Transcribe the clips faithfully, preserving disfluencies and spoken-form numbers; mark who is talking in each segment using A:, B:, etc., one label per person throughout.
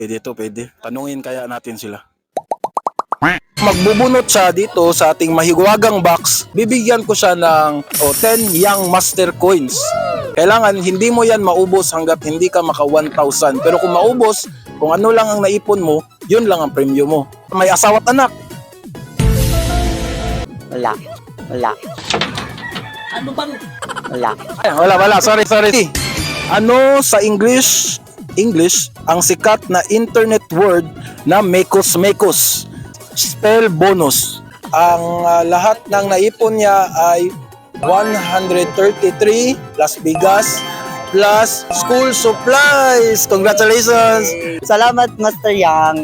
A: Pwede to, pwede. Tanungin kaya natin sila. Magbubunot siya dito sa ating mahigwagang box. Bibigyan ko siya ng oh, ten Young Master Coins. Kailangan hindi mo yan maubos hanggat hindi ka maka one thousand. Pero kung maubos, kung ano lang ang naipon mo, yun lang ang premyo mo. May asawa't anak.
B: Wala. Wala.
C: Ano bang?
B: Wala.
A: Ay, wala, wala. Sorry, sorry. Ano sa English, English, ang sikat na internet word na mekos-mekos? Spell bonus. Ang uh, lahat ng naipon niya ay one hundred thirty-three plus bigas plus school supplies. Congratulations!
B: Salamat, Master Yang.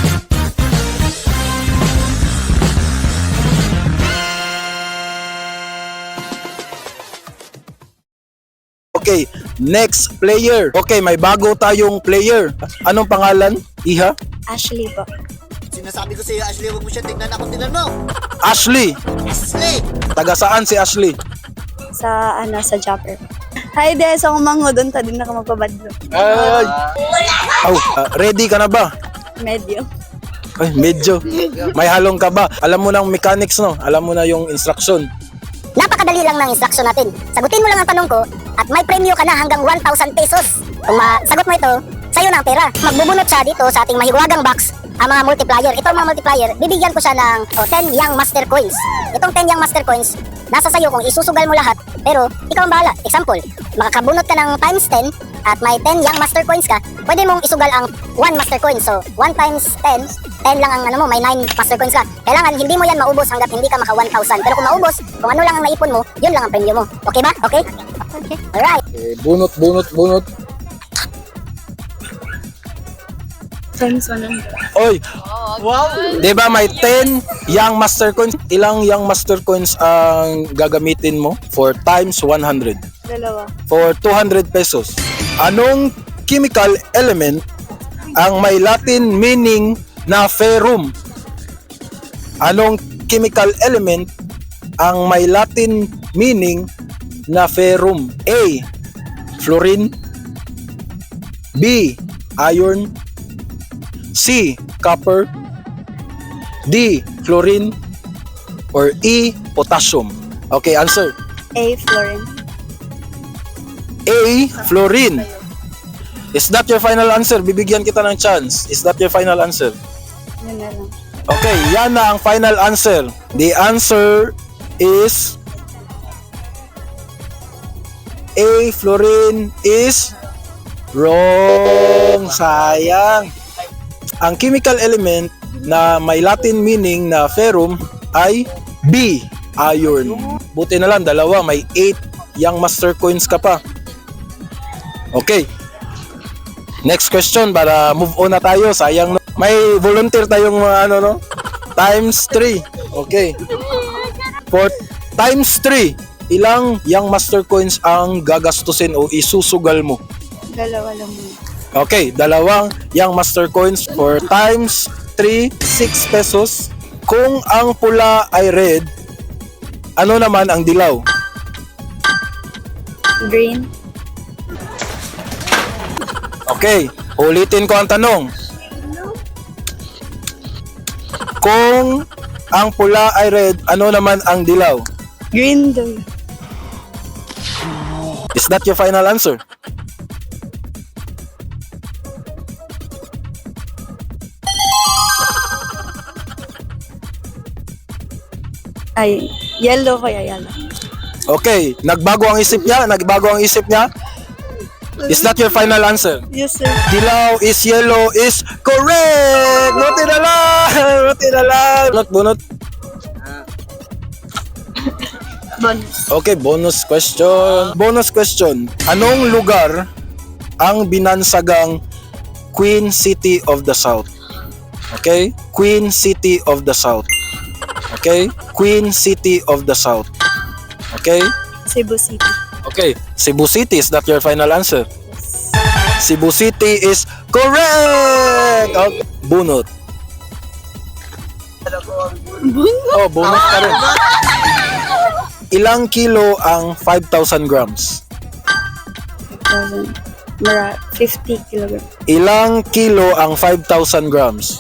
A: Okay, next player. Okay, may bago tayong player. Anong pangalan? Iha?
D: Ashley po.
C: Sinasabi ko sa iyo, Ashley, huwag mo siya tignan ako, tignan mo!
A: Ashley.
C: Ashley!
A: Taga saan si Ashley?
D: Sa, ano, sa Japper. Hi, Des. Ako mango doon. Ta din na ka magpabadlo.
A: Ay. Oh, uh, ready ka na ba?
D: Medyo.
A: Ay, medyo. May halong ka ba? Alam mo ng mechanics, no? Alam mo na yung instruction.
E: Napakadali lang ng instruction natin. Sagutin mo lang ang tanong ko at may premyo ka na hanggang one thousand pesos. Kung masagot mo ito, sa'yo na ang pera. Magbubunot siya dito sa ating mahigwagang box ang mga multiplier. Ito ang mga multiplier, bibigyan ko siya ng oh, ten Young Master Coins. Itong ten Young Master Coins, nasa sa'yo kung isusugal mo lahat. Pero ikaw ang bahala. Example, makakabunot ka ng times ten at may ten Young Master Coins ka, pwede mong isugal ang one Master Coin. So, one times ten, ten lang ang ano mo, may nine Master Coins ka. Kailangan hindi mo yan maubos hanggat hindi ka maka one thousand. Pero kung maubos, kung ano lang ang naipon mo, yun lang ang premyo mo. Okay ba? Okay? Okay. Alright.
A: Eh, bunot, bunot, bunot.
D: Times one hundred.
A: Oy,
C: Wow!
A: di ba may ten Young Master Coins? Ilang Young Master Coins ang gagamitin mo for times one hundred?
D: Dalawa.
A: For two hundred pesos. Anong chemical element ang may Latin meaning na ferrum? Anong chemical element ang may Latin meaning na ferrum? A. Fluorine. B. Iron. C. Copper. D. Fluorine. Or E. Potassium. Okay, answer.
D: A. Florin.
A: A. Fluorine. Is that your final answer? Bibigyan kita ng chance. Is that your final answer?
D: Yun na lang.
A: Okay, yan na ang final answer. The answer is A. Fluorine is wrong. Sayang. Ang chemical element na may Latin meaning na ferrum ay B. Iron. Buti na lang, dalawa. May eight Young Master Coins ka pa. Okay. Next question para move on na tayo. Sayang, no? May volunteer tayong mga ano, no? Times three. Okay. For times three, ilang Young Master Coins ang gagastusin o isusugal mo?
D: Dalawa lang muna.
A: Okay, dalawang Young Master Coins for times three, six pesos. Kung ang pula ay red, ano naman ang dilaw?
D: Green.
A: Okay, ulitin ko ang tanong. Kung ang pula ay red, ano naman ang dilaw?
D: Green daw.
A: Is that your final answer?
D: Ay, yellow kaya yellow.
A: Okay, nagbago ang isip niya? Nagbago ang isip niya? Is that your final answer?
D: Yes, sir.
A: Dilaw is yellow is correct! Buti na lang! Buti na lang! Bunot, bunot.
D: Bonus.
A: Okay, bonus question. Bonus question. Anong lugar ang binansagang Queen City of the South? Okay? Queen City of the South. Okay? Queen City of the South. Okay?
D: Cebu City.
A: Okay. Cebu City, is that your final answer? Cebu City is correct! Okay. Bunot. Oh, bonus ka rin. Ilang kilo ang five thousand grams?
D: five thousand. Mara, fifty kilogram.
A: Ilang kilo ang five thousand grams?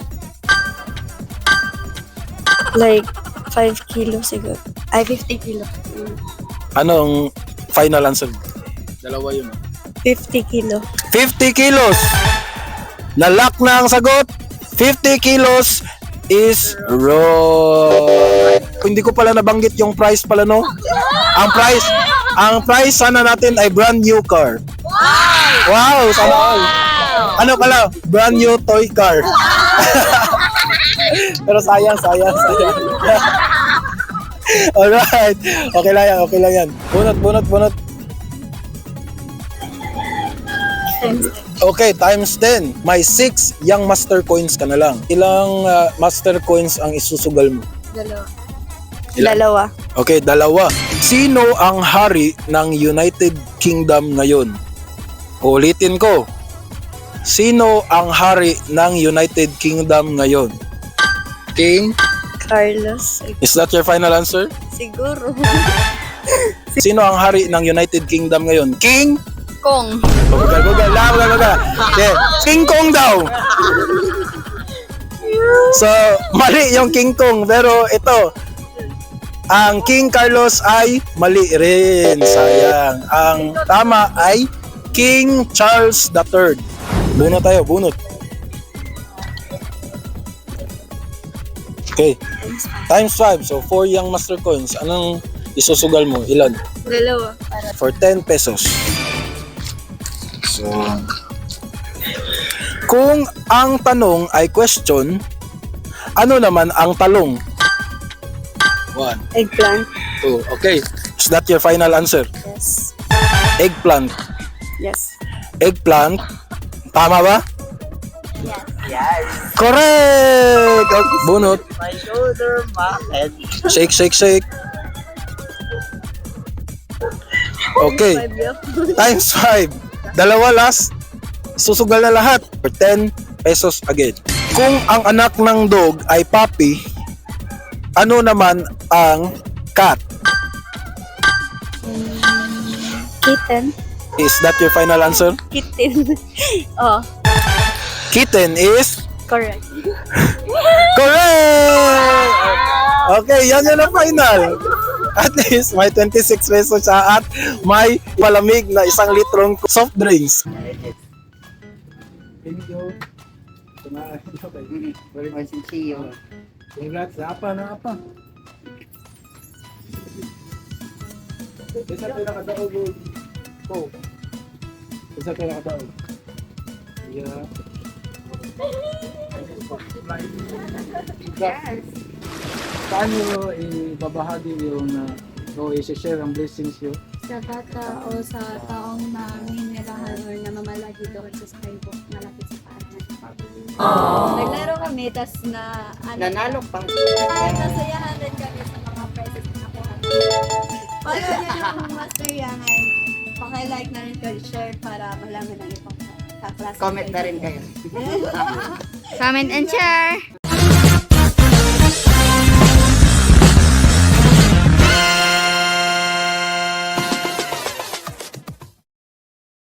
D: Like, five kilo siguro. Ay, fifty kilo.
A: Anong final answer? Dalawa yun.
D: fifty kilo.
A: fifty kilos. Nalock na ang sagot. fifty kilos is wrong. Hindi ko pala nabanggit yung price pala, no? Ang price, ang price sana natin ay brand new car. Wow! Wow! Sana all. Ano pala? Brand new toy car. Pero sayang, sayang, sayang. Alright. Okay lang yan, okay lang yan. Bunot, bunot, bunot. Okay, times ten. May six young master coins ka na lang. Ilang uh, master coins ang isusugal mo?
D: Dalawa.
A: Ilan?
D: Dalawa.
A: Okay, dalawa. Sino ang hari ng United Kingdom ngayon? Ulitin ko. Sino ang hari ng United Kingdom ngayon? King?
D: Carlos.
A: Is that your final answer?
D: Siguro.
A: Sino ang hari ng United Kingdom ngayon? King?
D: Kong.
A: Bugal, bugal, la, bugal, bugal. Okay. King Kong daw. So, mali yung King Kong. Pero ito, ang King Carlos ay mali rin. Sayang. Ang tama ay King Charles the third. Bunot tayo, bunot. Okay. Times five. So, four young master coins. Anong isusugal mo? Ilan?
D: Dalawa.
A: For ten pesos. So, kung ang tanong ay question, ano naman ang talong? One,
D: Eggplant.
A: two. Okay. Is that your final answer?
D: Yes.
A: Eggplant.
D: Yes.
A: Eggplant. Tama ba?
B: Yes.
A: Correct! Okay, bunot.
B: My shoulder, my head.
A: Shake, shake, shake. Okay.
D: Five yun.
A: Times five. Dalawa last. Susugal na lahat. For ten pesos again. Kung ang anak ng dog ay puppy, ano naman ang cat?
D: Kitten.
A: Is that your final answer?
D: Kitten. Oh,
A: Kitten is
D: correct.
A: correct! Okay, yan yun ang final. At least may twenty-six pesos siya at may malamig na isang litrong soft drinks. Thank you. Congrats, apa na apa. Isa tayo nakadaog ko. Isa tayo nakadaog. Yeah. Yes. Paano ibabahagi yung uh, o i-share ang blessings yun?
F: Sa bata o sa taong naninirahan or namamalagi doon sa skybok malapit sa paanan. Naglaro kami, tas na ano,
B: Nanalo pang.
F: nasayahan din kami sa mga prizes na nakuha. Follow nyo yung Master Yangan. Paki-like na rin kayo, share para malaman ng ibang kaklase.
B: Comment na rin kayo.
F: Comment and share!